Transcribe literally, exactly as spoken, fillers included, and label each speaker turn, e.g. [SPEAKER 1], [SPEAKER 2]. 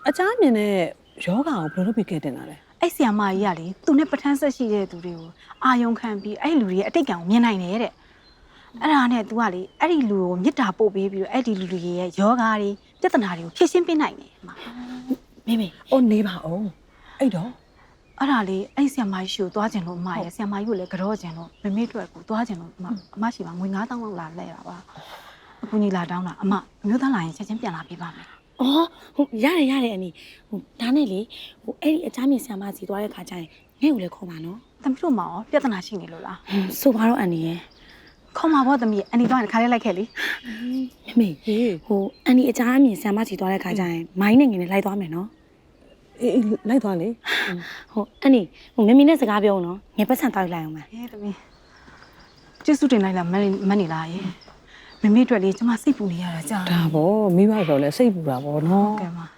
[SPEAKER 1] အချားမြင်တဲ့ယောဂါကိုဘယ်လိုလုပ်ပြီးကဲတင်တာလဲ
[SPEAKER 2] အဲ့ဆီယမကြီးကလေသူနဲ့ပထန်းဆက်ရှိတဲ့သူတွေကိုအာယုံခံပြီးအဲ့လူတွေရဲ့အတိတ်ကံကိုမြင်နိုင်တယ်တဲ့အဲ့ဒါနဲ့ तू ကလေအဲ့ဒီလူကိုမေတ္တာပို့ပေးပြီးတော့အဲ့ဒီလူတွေရဲ့ယောဂါတွေပြဿနာတွေကိုဖြေရှင်းပေးနိုင်တယ်အမ
[SPEAKER 1] မေမေအိုးနေပါအောင်အဲ့တော့
[SPEAKER 2] အဲ့ဒါလေအဲ့ဆီယမကြီးရှိကိုသွားကျင်လို့အမရဲ့ဆီယမကြီးကိုလည်းကြောကျင်လို့မမေ့အတွက်ကိုသွားကျင်လို့အမအမရှိပါငွေငါးသောင်းလောက်လာလဲတာပါအခုညီလာတောင်းတာအမအမျိုးသားလာရင်ချက်ချင်းပြန်လာပေးပါမယ်
[SPEAKER 3] အော်ဟုတ်ရတယ်ရတယ်အနီဟိုဒါနဲ့လေဟိုအဲ့ဒီအချားမြင်ဆရာမစီသွားတဲ့ခါကျရင်ငဲ့ကိုလည်းခေါ်ပါနော်
[SPEAKER 2] သမီးတို့မှာရောပြဿနာရှိနေလို့လား
[SPEAKER 3] ဆိုပါတော့အန်နီရဲ့
[SPEAKER 2] ခေါ်မှာပေါ့သမီးအန်ဒီတော့ခါလေးလိုက်ခဲ့လေ
[SPEAKER 3] မမေ
[SPEAKER 1] ဟေး
[SPEAKER 3] ဟိုအန်နီအချားမြင်ဆရာမစီသွားတဲ့ခါကျရင်မိုင်းနဲ့ငင်နဲ့လိုက်သွားမယ်နော်
[SPEAKER 1] အေးလိုက်သွားလေ
[SPEAKER 3] ဟိုအန်နီဟိုမမီနဲ့စကားပြောအောင်နော်ငယ်ပတ်ဆန်တောက်လိုက်အောင်မယ်
[SPEAKER 2] ဟဲ့သမီးကျေးဇူးတင်လိုက်လားမနေမနေလားရေမမေ့အတွက်လေကျမစိတ်ပူနေရတာကြာ
[SPEAKER 1] ဒါပေါ့မိဘဆိုလဲစိတ်ပူတာပေါ့နော်
[SPEAKER 2] ကဲပါ